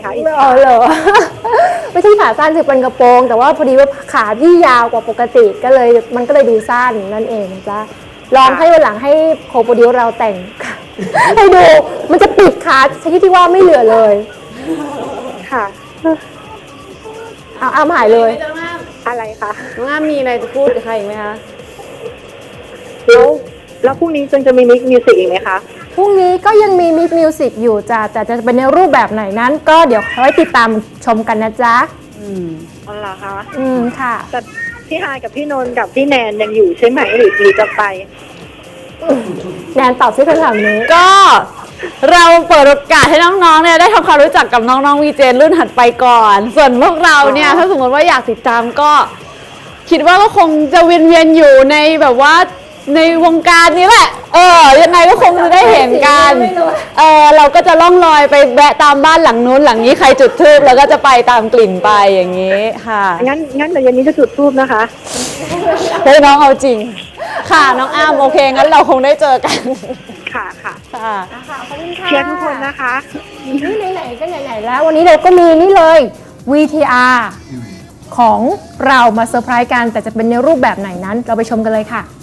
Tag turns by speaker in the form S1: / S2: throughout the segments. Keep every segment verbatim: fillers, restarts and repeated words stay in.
S1: ขาอีก
S2: อ๋อเหรอ ไม่ใช่ขาสั้นคือเป็นกระโปรง แต่ว่าพอดีว่าขาพี่ยาวกว่าปกติก็เลยมันก็เลยดูสั้นนั่นเองนะจ๊ะลองให้วันหลังให้โคโปรดิวเราแต่ง ให้ดูมันจะปิดขาชนิดที่ว่าไม่เหลือเลย
S1: ค่ะ
S2: เอาเอาหายเลย
S1: อะไรคะ
S3: น้องอ้ามมีอะไรจะพูดกับใครอีกไหมคะ
S1: แล้วแล้วพรุ่งนี้จนจะมีมิกมิวสิกอีกไหมคะ
S2: พรุ่งนี้ก็ยังมีมิกมิวสิกอยู่จ้ะแต่จะเป็นในรูปแบบไหนนั้น ก็เดี๋ยวไว้ติดตามชมกันนะจ๊ะ
S3: อืม
S1: อ๋อเหรอคะ
S2: อืมค่ะ
S1: แต่พี่ฮายกับพี่นนท์กับพี่แนนยังอยู่ใช่ไหมหรือหรือจะไป
S2: แนนตอบซิคำถามนี้
S3: ก็เราเปิดโอกาสให้น้องๆเนี่ยได้ทำความรู้จักกับน้องๆวีเจรุ่นถัดไปก่อน ส่วนพวกเราเนี่ย
S1: อ๋อ
S3: ถ้าสมมติว่าอยากติดตามก็ คิดว่าก็คงจะเวียนๆอยู่ในแบบว่าในวงการนี้แหละ เออยังไงก็คงจะได้เห็นกัน
S2: ไม่รู้
S3: เออเราก็จะล่องลอยไปแวะตามบ้านหลังนู้นหลังนี้ใครจุดธูปแล้วก็จะไปตามกลิ่นไปอย่างนี้ค่ะ
S1: งั้นงั้นเดี๋ยวเย็นนี้จะจุดทูบนะคะ
S3: เฮ้ยน้องเอาจริง ค่ะน้องอ้ามโอเคงั้นเราคงได้เจอกัน
S1: ค่ะค่ะ
S3: ค่ะ
S2: ค่ะขอบคุณค่ะ
S1: เชียร์ทุกคนนะคะ
S2: นี่ไหนๆก็ไหนๆแล้ว วันนี้เราก็มีนี่เลย วี ที อาร์ ของเรามาเซอร์ไพรส์กัน แต่จะเป็นในรูปแบบไหนนั้น เราไปชมกันเลยค่ะ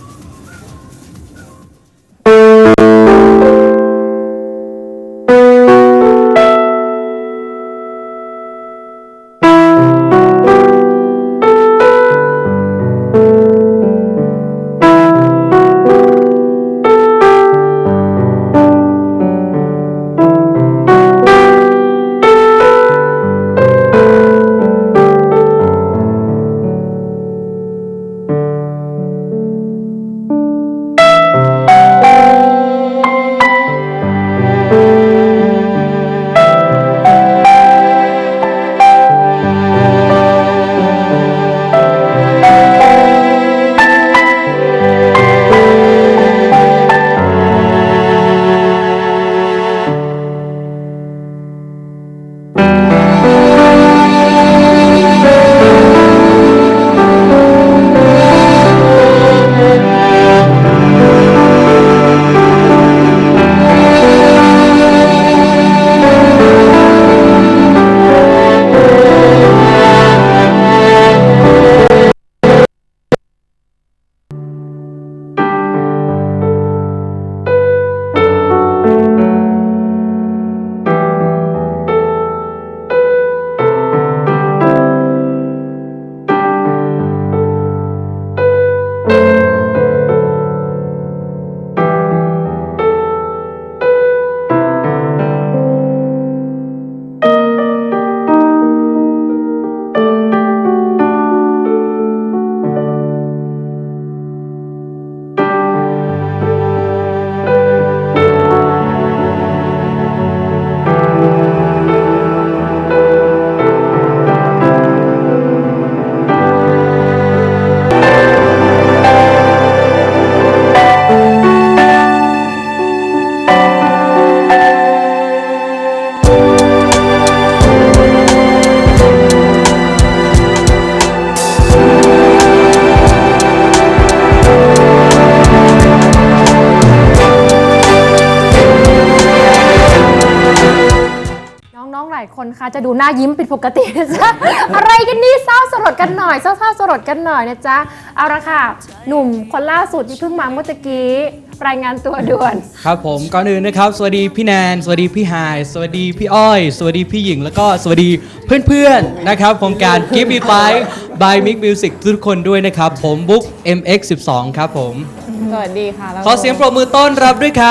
S2: น้องๆ หลายคนคะจะดูหน้ายิ้มผิดปกตินะจ๊ะ อะไรกันนี่เศร้าสลดกันหน่อยเศร้าๆสลดกันหน่อยนะจ๊ะ เอาละค่ะ หนุ่มคนล่าสุดที่เพิ่งมาเมื่อตะกี้รายงานตัวด่วน
S4: ครับผมก่อนอื่นนะครับสวัสดีพี่แนนสวัสดีพี่ไฮายสวัสดีพี่อ้อย สวัสดีพี่หญิงแล้วก็สวัสดีเพื่อนๆนะครับโครงการ Give Me Five by Mix Music ทุกคนด้วยนะครับผมบุ๊ก เอ็ม เอ็กซ์ สิบสอง ครับผม
S3: สวัสดีค่ะแล้ว
S4: ขอเสียงปรบมือต้อนรับด้วยครับ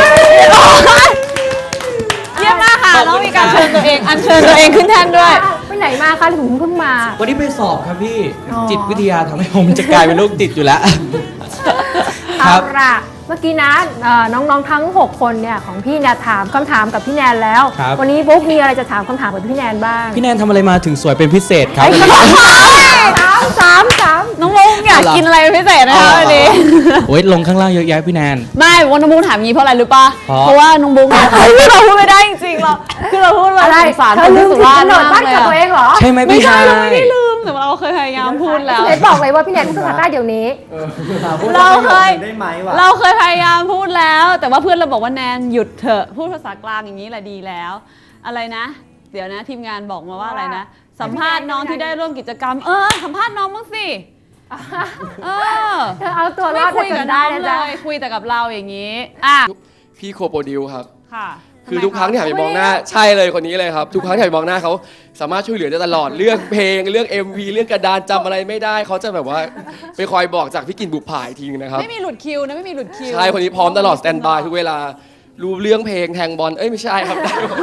S3: เยี่ยมมากค่ะน้องมีการเชิญตัวเองอัญเชิญตัวเองขึ้นแท่นด้วย
S2: ไปไหนมาคะถึงเพิ่งมา
S4: วันนี้ไปสอบครับพี่
S2: อ๋อ
S4: จิตวิทยาทำให้ผมจะกลายเป็นโรคจิตอยู่แล้ว ค
S2: เอา
S4: รับ
S2: ละเมื่อกี้นะเอ่อน้องๆทั้งหกคนเนี่ยของพี่เนี่ยถามคำถามกับพี่แนนแล้ว
S4: ครับ
S2: วันนี้บุ๊กมีอะไรจะถามคำถามกับพี่แนนบ้าง
S4: พี่แนนทำอะไรมาถึงสวยเป็นพิเศษครับ
S2: สามสามสาม
S3: น้องมุกอยากกินอะไรเป็นพิเศษนะคะวันนี้
S4: โอ้ยลงข้างล่างเยอะแยะพี่แนน
S3: ไม่วันน้องมุกถามงี้เพราะอะไรรู้ป่ะ
S4: เพราะ
S3: เพราะว่าน้องมุกเนี่ยเราพูดไม่ได้จริงๆเราคือเราพูดว่า
S2: อะไร
S3: สงสาร
S2: เธ
S3: ค
S2: อน ลื
S3: ที่
S2: ม
S3: สุ
S2: ถึง
S3: ราก
S2: ำ
S3: ษ
S2: หนด
S3: มา
S2: บ้าก น
S3: เลย
S2: กับ
S3: อะ
S2: ตัวเองเหรอ
S4: ใช่ไหม
S3: ไม่
S4: พี่ไฮ
S3: ใช่
S4: าย
S3: เราไม่ได้ลืมแต่เราเคยพยายามพูดแล้ว
S2: ไหนบอกเลยว่าพี่แนนพูดภาษาใต้เดี๋ยวนี้
S3: เราเคย
S5: ได้ไหมวะ
S3: เราเคยพยายามพูดแล้ว แต่ว่าเพื่อนเราบอกว่าแนนหยุดเถอะพูดภาษากลางอย่างนี้แหละดีแล้ว อะไรนะเดี๋ยวนะทีมงานบอกมาว่าอะไรนะ สัมภาษณ์น้องที่ได้ร่วมกิจกรรม เออสัมภาษณ์น้องบ้างสิเออ
S2: เธอเอาตัวร
S3: ไม่
S2: อด
S3: คุย
S2: จ
S3: กับ
S2: น
S3: น้
S2: ได้
S3: อง
S2: นะ
S3: เล
S2: จ๊ะ
S3: ยคุยแต่กับเราอย่างนี้อ่ะ
S5: พี่โคโปรดิวครับ
S3: ค่ะ
S5: คือทุกครั้งที่หันไปมองหน้าใช่เลยคนนี้เลยครับ ทุกครั้งที่หันไปมองหน้าเขาสามารถช่วยเหลือได้ตลอดเรื่องเพลงเรื่อง เอ็ม วี เรื่องกระดานจำอะไรไม่ได้เขาจะแบบว่าไปคอยบอกจากพี่กินบุปผายทีนึงนะครับ
S3: ไม่มีหลุดคิวนะไม่มีหลุดคิว
S5: ใช่คนนี้พร้อมตลอดสแตนบายทุกเวลารู้เรื่องเพลงแทงบอลเอ้ยไม่ใช่ครับ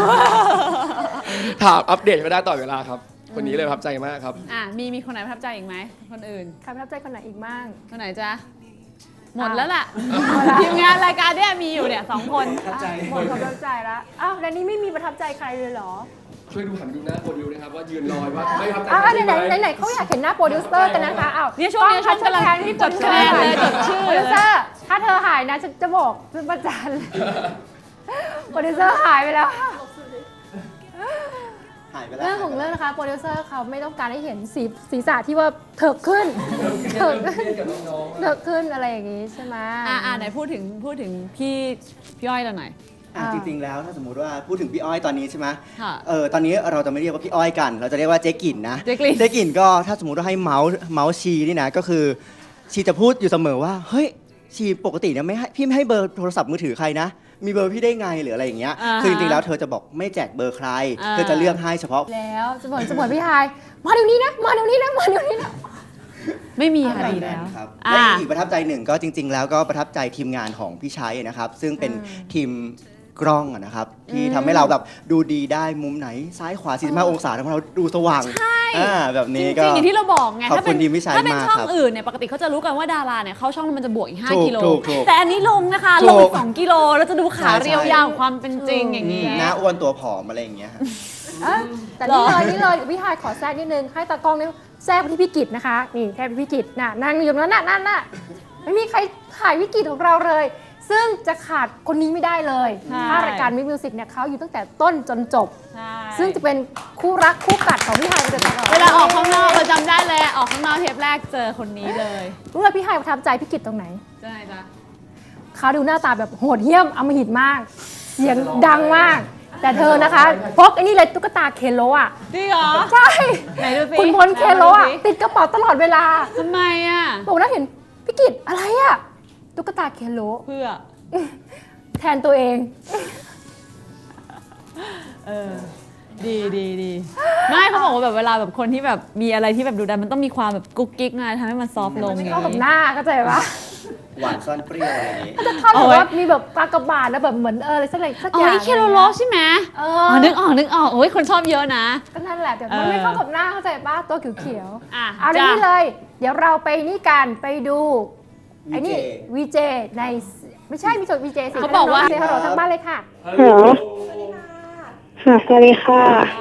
S5: ถามอัปเดตไม่ได้ต่อดเวลาครับ คนนี้เลยประทับใจมากครับ
S3: อ่ะมีมีคนไหนประทับใจอีกไหมคนอื่น
S2: ใครประทับใจคนไหนอีกบ้าง
S3: คนไหนจ๊ะหมดแล้วล่ะทีมงานรายการเนี่ยมีอยู่เนี่ยสองคน
S2: อ่ะหมดความประทับใจแล้วอ้าวแล้วนี้ไม่มีประทับใจใครเลยเหรอ
S5: ช่วยดูหันไปดูหน้าโปรดิวนะครับว่ายืนรอยว่าไม่ประทับใจ
S2: อ้าว
S5: ใคร
S2: ไหน
S5: ใช่
S2: ไหน
S5: ไหม
S2: ไหนเขาอยากเห็นหน้าโปรดิวเซอร์กันนะคะอ้าว
S3: เนี่ยช่วงนี้ช่วงกำลัง
S2: แทนที่
S3: จดคะแนนเลยจดชื่อ
S2: โปรดิวเซอร์ถ้าเธอหายนะฉันจะบอกเป็นประจันโปรดิวเซอร์หายไปแล้ว
S6: หายไปแล้ว
S2: เรื่องของเรื่องนะคะโปรดิวเซอร์เขาไม่ต้องการให้เห็นสีศีรษะที่ว่าเถิกขึ้นเถิกขึ้นเถิกขึ้นอะไรอย่างนี้ใช่ไหม
S3: อ่าอ่าไหนพูดถึงพูดถึงพี่พี่อ้อยเราหน่อย
S6: อ่ะจริงๆแล้วถ้าสมมุติว่าพูดถึงพี่อ้อยตอนนี้ใช่ไหม
S3: ค่ะ
S6: เออตอนนี้เราจะไม่เรียกว่าพี่อ้อยกัน เราจะเรียกว่าเจ๊กิ่นนะ
S3: เจ๊กิ่น
S6: เจ๊กิ่นก็ถ้าสมมติว่าให้เมาส์เมาส์ชีนี่นะก็คือชีจะพูดอยู่เสมอว่าเฮ้ยชีปกติเนี่ยไม่ให้พี่ไม่ให้เบอร์โทรศัพท์มือถือใครนะ มีเบอร์พี่ได้ไงหรืออะไรอย่างเงี้ย
S3: อ่าฮะ
S6: คือจริงๆแล้วเธอจะบอกไม่แจกเบอร์ใคร
S3: อ่า
S6: เธอจะเลือกให้เฉพาะ
S2: แล้วจะบอกจะบอกพี่ฮายมาเดี๋ยวนี้นะมาเดี๋ยวนี้นะมาเดี๋ยวนี้นะ
S3: ไม่มีค่ะดีแล้ว
S6: ครับ
S3: อ่า
S6: และอีกประทับใจหนึ่งก็จริง ๆ แล้วก็ประทับใจทีมงานของพี่ชัยนะครับ ซึ่งเป็นทีมกล้องอะนะครับ ที่ทำให้เราแบบดูดีได้มุมไหนซ้ายขวาสี่สิบห้าองศาทำให้เราดูสว่าง
S3: ใช่
S6: อ่าแบบ
S3: จ
S6: นี้
S3: ริงๆ
S6: ก็
S3: อย่างที่เราบอกไง
S6: ขอบ
S3: ถ้าเป็น
S6: คุณทีมพี่ชัย
S3: ถ้าเป็น
S6: มาก
S3: ช่อง
S6: ครับ
S3: อื่นเนี่ยปกติเขาจะรู้กันว่าดาราเนี่ยเข้าช่องแล้วมันจะบวกอีก
S6: ถู
S3: ห้าก กิโล
S6: ถูกถูก
S3: แต่อันนี้ลงนะคะ
S6: ถู
S3: ล
S6: ก
S3: งอีกสองกิโลแล้วจะดูขา
S6: ใช่
S3: เรียว
S6: ใช่
S3: ยาวของความเป็นจริงอย่างนี้
S6: หน้าอ้วนตัวผอมอะไรอย่างเงี้ยฮะ
S2: เอ้ยแต่นี่เลยนี่เลยพี่ฮายขอแทรกนิดนึงให้ตากล้องนี่แทรกไปที่พี่กิตนะคะนี่แทรกไปที่พี่กิตน่ะนั่งอยู่ตรงนั้นน่ะนั่นน่ะไม่มีใครถ่ายพี่กิตของเราเลย ซึ่งจะขาดคนนี้ไม่ได้เลย
S3: ใช่
S2: ถ้ารายการมิวสิกเนี่ยเขาอยู่ตั้งแต่ต้นจนจบ
S3: ใช่
S2: ซึ่งจะเป็นคู่รักคู่กัดของพี่ฮายไปโดยตลอด
S3: เวลาออกข้างนอกเราจำได้เลยออกข้างนอกเทปแรกเจอคนนี้เลย
S2: รู้ไหมพี่ฮายประทับใจพี่กิตตรงไหน
S3: ใช่จ้ะ
S2: เขาดูหน้าตาแบบโหดเหี้ยมอำมหิตมาก เสียงดังมาก แต่เธอนะคะพกไอ้นี่เลยตุ๊กตาเคนโลอ่ะ
S3: จริงเหรอ
S2: ใช่
S3: ไหนดูสิ
S2: คุณพลเคนโลอ่ะ
S3: ไหนดูสิ
S2: ติดกระเป๋าตลอดเวลา
S3: ทำไมอ่ะ
S2: บอกนะเห็นพี่กิตอะไรอ่ะตุ๊กตาเคนโล
S3: เพื่อ
S2: แทนตัวเอง
S3: เออ ดีดีดีไม่เขาบอกว่าแบบเวลาแบบคนที่แบบมีอะไรที่แบบดูดันมันต้องมีความแบบกุ๊กกิ๊กไงทำให้มันซอฟต์ลงอย่าง
S2: เข้ากับ
S3: นี้
S2: หน้าเข้าใจปะ
S6: หวานซ่อนเปรี้ยวอะไรอย่างงี้
S2: ท่อน
S3: เอา
S2: แบบ
S3: ไว้
S2: ว่ามีแบบกากบาทแล้วแบบเหมือนเอออะไรสักอย่างสัก
S3: อ๋
S2: อ
S3: อย่าง ไอเคโรโลใช่ไหม
S2: เอ
S3: อ๋
S2: อ
S3: อนึกออกนึกออกโอ้ยคนชอบเยอะนะ
S2: ก็นั่นแหละแต่มัน
S3: เออ
S2: ไม่เข้ากับหน้าเข้าใจปะตัวเขียวๆ
S3: อ่ะ
S2: เอาใน
S3: จ้ะ
S2: นี้เลย เดี๋ยวเราไปนี่กันไปดูไอ้นี่
S6: วี
S2: วี
S6: เจ
S2: เจในไม่ใช่มีจดวีเจสิ
S3: เขาบอกว่า
S2: เซฮัลโหลทั้งบ้านเลยค่ะ
S1: ฮัลโหลค่ะสวัสดีค่ะ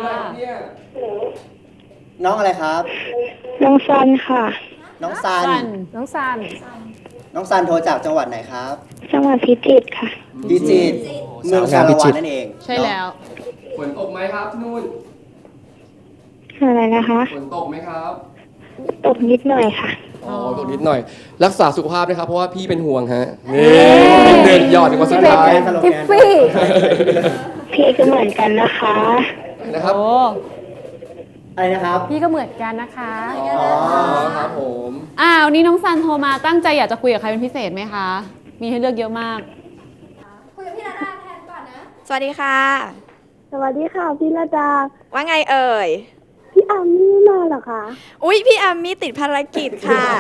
S6: น้องอะไรครับ
S1: น้องซันค่ะ
S6: น้องซัน
S3: สัน
S2: น้องซัน
S6: น้องซันโทรจากจังหวัดไหนครับ
S1: จังหวัดพิจิตรค่ะ
S6: พิจิตรเมืองชาละวันนั่นเอง
S3: ใช่แล้ว
S5: ฝนตกไหมครับนู่น
S1: อะไรนะคะ
S5: ฝนตกไหมครับ
S1: ตกนิดหน่อยค่ะ
S5: อ๋อตกนิดหน่อย รักษาสุขภาพนะครับเพราะว่าพี่เป็นห่วงฮะนี่เดินหยอดถึงวันสุด
S2: เป็น
S5: ท้าย
S6: สโลแกน
S2: ทิฟฟี่
S1: พี่ก็เหมือนกันนะคะ
S5: นะครับ
S3: โอ้
S6: อะไรนะครับ
S2: พี่ก็เหมือนกันนะคะ
S5: อ๋อครับผม
S3: อ้าวนี่น้องซันโทรมาตั้งใจอยากจะคุยกับใครเป็นพิเศษไหมคะ มีให้เลือกเยอะมาก
S7: สวัสดีค่ะ
S1: สวัสดีค่ะพี่ระดา
S7: ว่าไงเอ่ย
S1: พี่อามี่มาเหรอคะ
S7: อุ๊ย พี่อามี่ติดภารกิจค่ะ